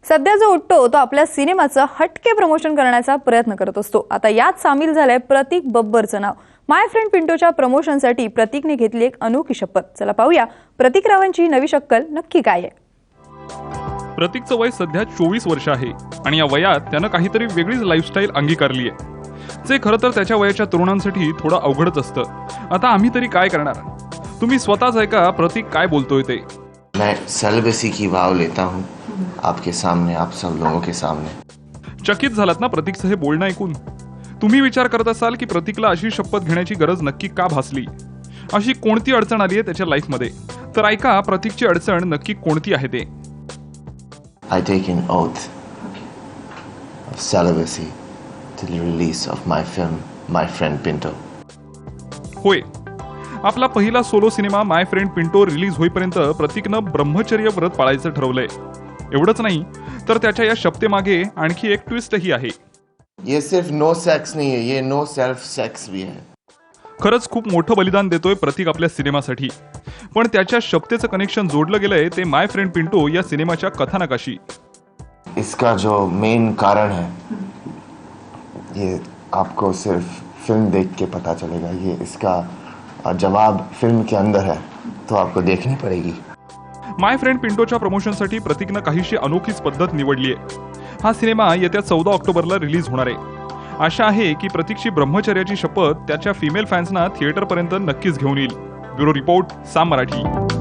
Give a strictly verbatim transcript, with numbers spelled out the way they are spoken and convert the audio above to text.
सध्या जो उठतो तो आपल्या सिनेमाचं हटके प्रमोशन करण्याचा प्रयत्न करत असतो। आता यात सामील झालंय प्रतीक बब्बरचं नाव। माय फ्रेंड पिंटोच्या प्रमोशनसाठी प्रतीकने घेतली एक अनोखी शपथ। चला पाहूया प्रतीक रावांची नवी शक्कल नक्की काय आहे। प्रतीकचं वय सध्या चोवीस वर्ष आहे आणि या वयात त्यानं काहीतरी वेगळीच लाईफस्टाईल अंगीकारली आहे, जे खरं तर त्याच्या वयाच्या तरुणांसाठी थोडं अवघडच असतं। आता आम्ही तरी काय करणार, तुम्ही स्वतःच ऐका प्रतीक काय बोलतोय ते। मैं सेलिबेसी की वाव लेता हूँ आपके सामने, आप सब लोगों के सामने। चकित झालात ना प्रतीकचं हे बोलणं ऐकून? तुम्ही विचार करत असाल की प्रतीकला अशी शपथ घेण्याची गरज नक्की का भासली, अशी कोणती अडचण आली आहे त्याच्या लाईफमध्ये? तर ऐका प्रतीकची अडचण नक्की कोणती आहे ते। I take an oath of celibacy till the release of my film, My Friend Pinto. होय, आपला पहिला solo cinema my friend Pinto release होईपर्यंत प्रतीकनं ब्रह्मचर्य व्रत पाळायचं ठरवलंय। एवढंच नाही तर त्याच्या या शपथेमागे आणखी एक ट्विस्टही आहे। ये सिर्फ नो सेक्स नहीं है, ये नो सेल्फ सेक्स भी है। खरंच खूप मोठं बलिदान देतोय प्रतीक आपल्या सिनेमासाठी, पण त्याच्या शपथेचं कनेक्शन जोडलं गेलंय ते माय फ्रेंड पिंटो या सिनेमाच्या कथानकाशी। इसका जो मेन कारण है ये आपको सिर्फ फिल्म देख के पता चलेगा। ये इसका जवाब फिल्म के अंदर है, तो आपको देखनी पड़ेगी। माय फ्रेंड पिंटोच्या प्रमोशनसाठी प्रतीकनं काहीशी अनोखीच पद्धत निवडली आहे। हा सिनेमा येत्या चौदा ऑक्टोबरला रिलीज होणार आहे। आशा आहे की प्रतीकची ब्रह्मचर्याची शपथ त्याच्या फिमेल फॅन्सना थिएटरपर्यंत नक्कीच घेऊन येईल। Bureau report, Saam Marathi.